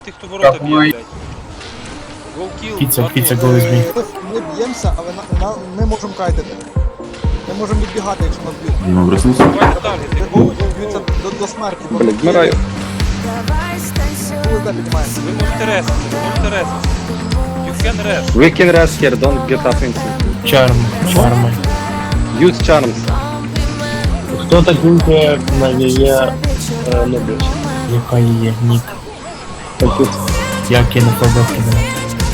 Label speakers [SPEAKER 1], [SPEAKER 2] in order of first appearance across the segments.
[SPEAKER 1] Тих, хто ворота б'є, блядь. Голкіл,
[SPEAKER 2] Піца, go with me.
[SPEAKER 3] Ми б'ємося, але ми можемо кайтити. Ми можемо відбігати, якщо нас б'ють.
[SPEAKER 4] Дима, проснуться.
[SPEAKER 1] Давайте таргети.
[SPEAKER 3] Б'ються до смерті.
[SPEAKER 5] Блять, вмираю.
[SPEAKER 3] УСД піднімаємо.
[SPEAKER 1] Ви можете ресити, ви можете ресити. You can rest.
[SPEAKER 5] We can rest here, don't get up inside.
[SPEAKER 2] Чарми.
[SPEAKER 5] Use charms.
[SPEAKER 6] Хто так вимкає на її любить?
[SPEAKER 2] Яка є нік.
[SPEAKER 6] Такі
[SPEAKER 2] Як я не пробив кидати.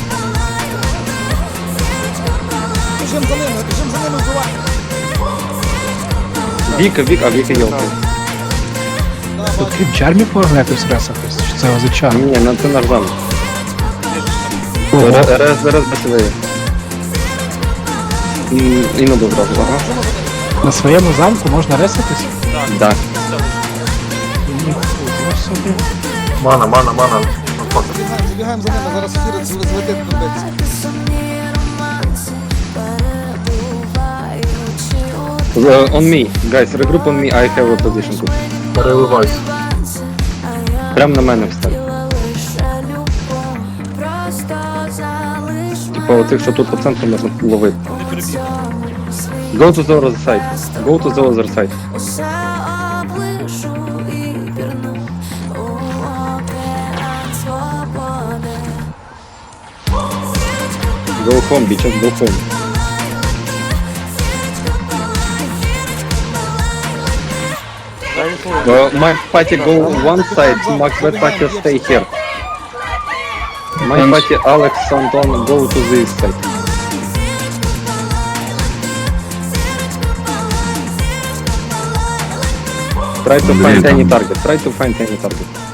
[SPEAKER 3] Біжимо за ними, вбиваємо.
[SPEAKER 5] Віка йолка.
[SPEAKER 7] Тут крім чармів можна якось ресатись? Чи це за чарм?
[SPEAKER 5] Ні, ну це наш замок. Раз басовий. І на добре, ага.
[SPEAKER 7] На своєму замку можна ресатись?
[SPEAKER 5] Да.
[SPEAKER 7] Ніхуя собі.
[SPEAKER 4] Мана.
[SPEAKER 3] Забігаємо за ними, зараз хір злетить до битися.
[SPEAKER 5] On me, guys, regroup on me, I have a position тут.
[SPEAKER 4] Переливайся.
[SPEAKER 5] Прям на мене встань. Типа оцих, що тут по центру можна ловити.
[SPEAKER 1] Вони перебігли.
[SPEAKER 5] Go to the other side. Go to the other side. Go home, bitches, go home. My party go one side, Max that party stay here. My party Alex Anton go to this side. Try to find any target.